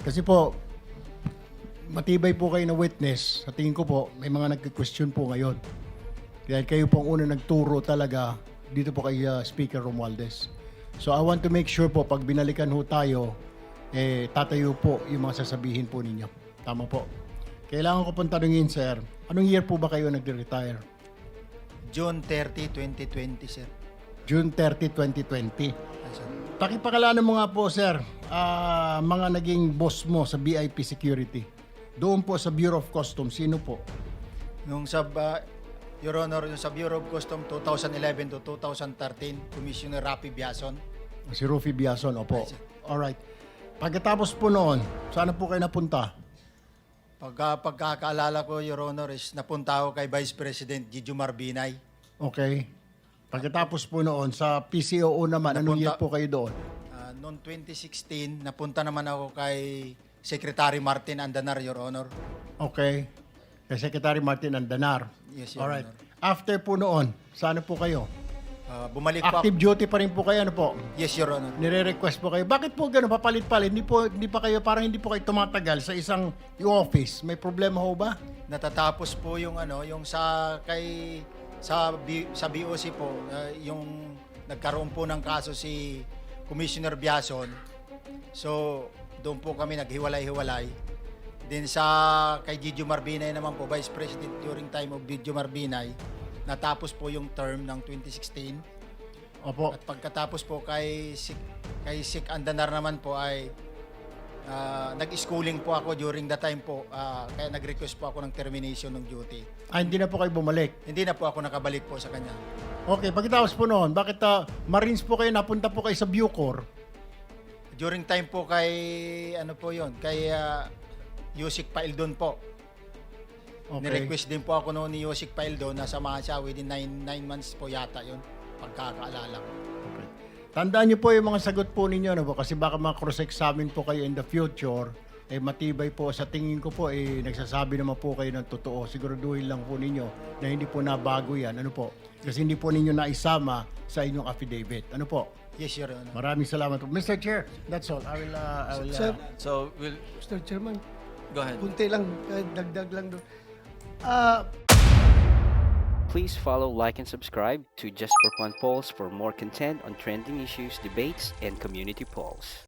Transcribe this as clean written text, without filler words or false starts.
Kasi po, matibay po kayo na witness. Sa tingin ko po, may mga nagka-question po ngayon. Dahil kayo po ang una nagturo talaga dito po kay Speaker Romualdez. So I want to make sure po, pag binalikan ho tayo, tatayo po yung mga sasabihin po ninyo. Tama po. Kailangan ko pong tanungin, sir, anong year po ba kayo nag-retire? June 30, 2020, sir. June 30, 2020. Ay, sir. Pakipakalanan mo nga po, sir, mga naging boss mo sa BIP Security. Doon po sa Bureau of Customs, sino po? Yung sa, Your Honor, yung sa Bureau of Customs 2011 to 2013, Commissioner Rafi Biason. Si Rufy Biason, opo. Ay, sir. Alright. Pagkatapos po noon, saan po kayo napunta? Pagkakaalala ko, Your Honor, is napunta ako kay Vice President Gigi Marbinay. Okay. Pagkatapos po noon, sa PCOO naman, anong year po kayo doon? Noong 2016, napunta naman ako kay Secretary Martin Andanar, Your Honor. Okay. Kay Secretary Martin Andanar. Yes, Your Alright. Honor. After po noon, saan po kayo? Bumalik po ako. Active duty pa rin po kayo, ano po? Yes, Your Honor. Nire-request po kayo. Bakit po gano'n? Papalit-palit. Hindi pa kayo, parang hindi po kayo tumatagal sa isang office. May problema ho ba? Natatapos po yung yung sa BOC po, yung nagkaroon po ng kaso si Commissioner Biason. So, doon po kami naghiwalay-hiwalay. Then kay Gigi Marbinay naman po, Vice President during time of Gigi Marbinay, natapos po yung term ng 2016. Opo. At pagkatapos po kay Sik Andanar naman po ay nag-schooling po ako during the time po, kaya nag-request po ako ng termination ng duty. Hindi na po kayo bumalik. Hindi na po ako nakabalik po sa kanya. Okay, pagkatapos po noon, bakit Marines po kayo, napunta po kayo sa Bucor? During time po kay, kay Yusik Paildon po. Okay. Ni-request din po ako noon ni Yusik Paildon na samahan siya within 9 months po yata yun, pagkakaalala ko. Okay. Tandaan niyo po yung mga sagot po ninyo, no po? Kasi baka ma-cross-examine po kayo in the future, matibay po. Sa tingin ko po, nagsasabi naman po kayo ng totoo. Siguraduhin lang po ninyo na hindi po nabago yan. Ano po? Kasi hindi po ninyo naisama sa inyong affidavit. Ano po? Yes, Your Honor. Maraming salamat po. Mr. Chair, that's all. I will Sir, So, we'll Mr. Chairman, go ahead. kunti lang, dagdag lang doon. Please follow, like, and subscribe to Just for Fun Polls for more content on trending issues, debates, and community polls.